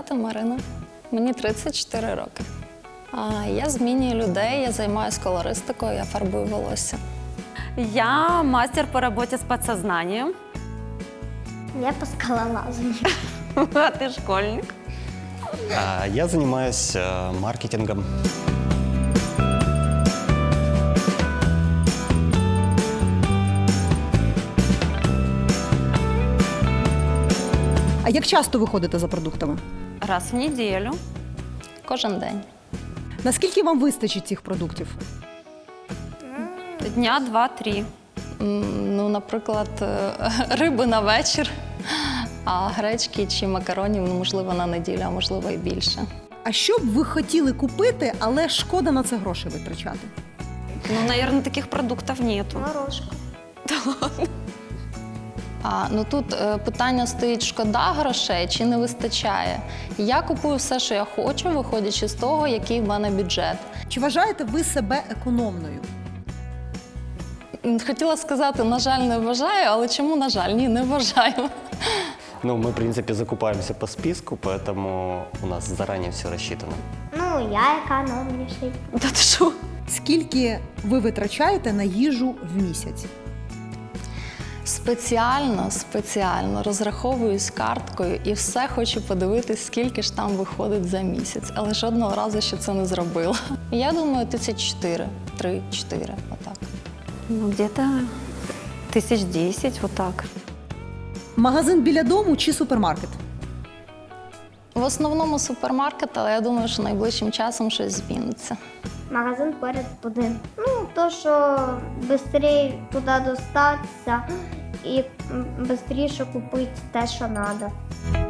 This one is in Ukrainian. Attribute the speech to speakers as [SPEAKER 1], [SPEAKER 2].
[SPEAKER 1] звати Марина. Мені 34 роки. Я змінюю людей, я займаюся колористикою, я фарбую волосся.
[SPEAKER 2] Я мастер по работе с подсознанием.
[SPEAKER 3] Я по скалолазанию.
[SPEAKER 2] А ты школьник.
[SPEAKER 4] Я занимаюсь маркетингом.
[SPEAKER 5] А як часто ви ходите за продуктами?
[SPEAKER 2] Раз в неделю.
[SPEAKER 1] Кожен день.
[SPEAKER 5] Наскільки вам вистачить цих продуктів?
[SPEAKER 2] Дня 2-3.
[SPEAKER 1] Ну, наприклад, риби на вечір, а гречки чи макаронів, ну, можливо, на неділю, а можливо і більше.
[SPEAKER 5] А що б ви хотіли купити, але шкода на це гроші витрачати?
[SPEAKER 2] Ну, наверное, таких продуктов нету.
[SPEAKER 3] Морожка.
[SPEAKER 1] Ну, тут питання стоїть, шкода грошей чи не вистачає. Я купую все, що я хочу, виходячи з того, який в мене бюджет.
[SPEAKER 5] Чи вважаєте ви себе економною?
[SPEAKER 1] Хотіла сказати, на жаль, не вважаю, але чому, на жаль? Ні, не вважаю.
[SPEAKER 4] Ну, мы, в принципе, закупаемся по списку, поэтому у нас заранее все рассчитано.
[SPEAKER 3] Ну, я економніший.
[SPEAKER 2] Да ты шо?
[SPEAKER 5] Скільки ви витрачаєте на їжу в місяць?
[SPEAKER 1] Спеціально розраховуюсь карткою і все хочу подивитись, скільки ж там виходить за місяць. Але жодного разу ще це не зробила. Я думаю, 3-4, отак.
[SPEAKER 2] Ну, где-то 1010, вот так.
[SPEAKER 5] Магазин біля дому чи супермаркет?
[SPEAKER 1] В основному супермаркет, але я думаю, що найближчим часом щось зміниться.
[SPEAKER 3] Магазин поряд будинку. Ну, то, що швидше туди достатися і швидше купити те, що треба.